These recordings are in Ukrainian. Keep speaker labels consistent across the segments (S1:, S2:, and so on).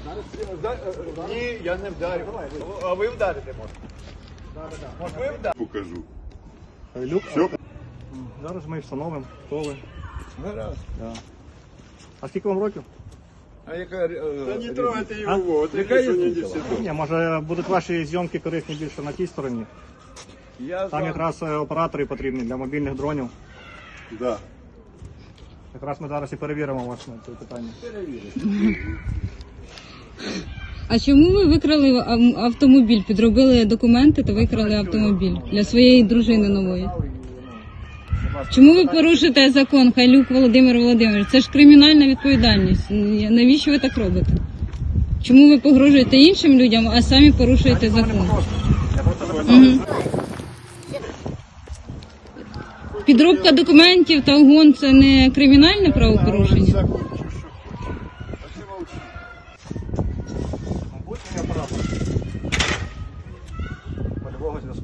S1: Ні, я не вдарю. А ви вдарите можете? Може ви вдарите?
S2: Покажу.
S3: Люк.
S2: Все.
S3: Зараз ми встановимо, хто ви.
S1: Гаразд.
S3: Да. А скільки вам років?
S1: А яка...
S2: Та не трогайте
S3: А?
S2: його, от
S1: Яка
S2: яка що не
S1: різниця?
S2: десяток.
S3: Ні, може будуть ваші зйомки корисні більше на тій стороні.
S1: Я
S3: Там якраз оператори потрібні для мобільних дронів.
S2: Да.
S3: Якраз ми зараз і перевіримо вас на це питання.
S4: А чому ви викрали автомобіль? Підробили документи та викрали автомобіль для своєї дружини нової? Чому ви порушите закон, Хайлюк Володимир Володимирович? Це ж кримінальна відповідальність. Навіщо ви так робите? Чому ви погрожуєте іншим людям, а самі порушуєте закон? Угу. Підробка документів та угон – це не кримінальне правопорушення?
S3: Будь-який оператор. Польового зв'язку.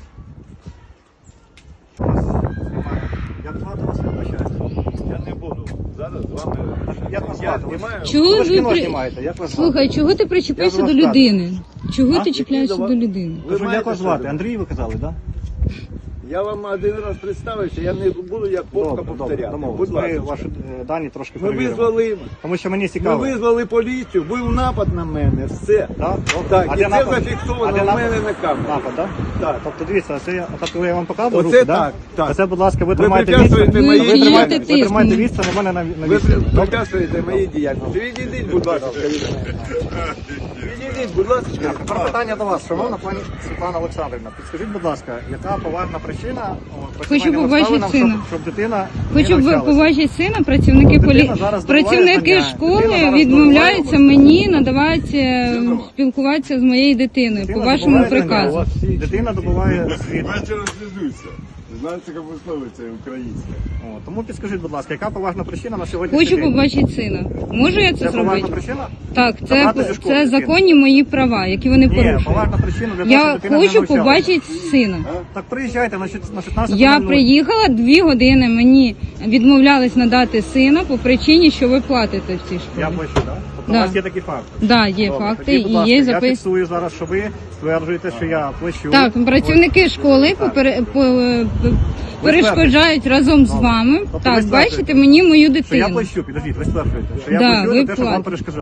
S3: Як звати вас, я вибачаюсь?
S1: Я не буду зараз з вами...
S3: Як вас
S1: Я
S3: звати?
S1: знімаю.
S4: Чого
S3: Ви ж
S4: ви
S3: кіно
S4: при...
S3: знімаєте, як вас звати?
S4: Слухай, чого ти причепився
S3: Я
S4: до
S3: ж вас
S4: людини? Чого
S3: А?
S4: ти чіпляєшся до людини?
S3: Кажу,
S1: маєте
S3: як вас звати?
S1: що?
S3: Андрій ви казали, так? Да?
S1: Я вам один раз представився, я не буду як попка повторяти.
S3: домовились.
S1: Будь
S3: Ми
S1: ласка.
S3: ваші дані трошки
S1: Ми
S3: перевіримо.
S1: визвали,
S3: Тому що мені
S1: ми
S3: цікаво.
S1: визвали поліцію, був напад на мене, все.
S3: Да?
S1: Так,
S3: А
S1: і
S3: де
S1: це
S3: напад?
S1: зафіксовано
S3: А де
S1: в
S3: напад?
S1: мене на камері.
S3: Напад, так?
S1: Так.
S3: Тобто дивіться, це я вам показую
S1: Оце
S3: руки,
S1: так, так.
S3: Оце, будь ласка, ви
S1: Ви
S3: тримайте
S1: препятствуєте
S3: місце.
S1: моїй
S4: Ви
S1: діяльності.
S3: Ви тримайте
S4: тиск.
S3: місце на мене на
S1: Ви
S3: місці. Добре?
S1: препятствуєте моїй діяльності. Відійдіть, будь ласка, від мене. Відійдіть, будь ласка.
S3: Тепер питання до вас, шановна пані Світлана Олександрівна. Підскажіть, будь ласка, яка поважна причина працювання
S4: побачити
S3: обставинам,
S4: сина.
S3: щоб дитина
S4: Хочу
S3: не навчалася?
S4: побачити сина, працівники
S3: Дитина зараз здобуває
S4: працівники
S3: знання.
S4: школи
S3: Дитина зараз
S4: відмовляються
S3: здобуває
S4: мені надавати спілкуватися з моєю дитиною по вашому
S3: здобуває знання.
S4: приказу.
S3: Дитина добуває освіту.
S2: Давайте розв'язуйся. Знаєте, як висловиться українська.
S3: О, тому підскажіть, будь ласка, яка поважна причина на сьогодні?
S4: Хочу побачити сина. Можу я це
S3: Це поважна
S4: зробити?
S3: причина?
S4: Так,
S3: Забрати зі школи
S4: це
S3: дитину.
S4: законні мої права, які вони
S3: Ні,
S4: порушують.
S3: поважна причина для того, щоб
S4: Я
S3: дитина не
S4: хочу
S3: навчалася.
S4: побачити сина.
S3: Так приїжджайте на 16:00.
S4: Я приїхала 2 години, мені відмовлялись надати сина по причині, що ви платите в цій
S3: Я
S4: школі.
S3: плачу, так? Тобто
S4: Да.
S3: у вас є такі факти?
S4: Да, є
S3: Добре,
S4: факти
S3: тоді, будь
S4: і
S3: ласка,
S4: є
S3: я
S4: запис.
S3: фіксую зараз, що ви стверджуєте, що я плачу.
S4: Так, працівники школи перешкоджають разом з вами.
S3: Тобто ви
S4: Так,
S3: стверджуєте,
S4: бачите мені мою
S3: Що я
S4: дитину.
S3: плачу, підождіть, ви стверджуєте, що я
S4: Да,
S3: плачу
S4: ви
S3: за те, що вам
S4: платите.
S3: перешкоджають.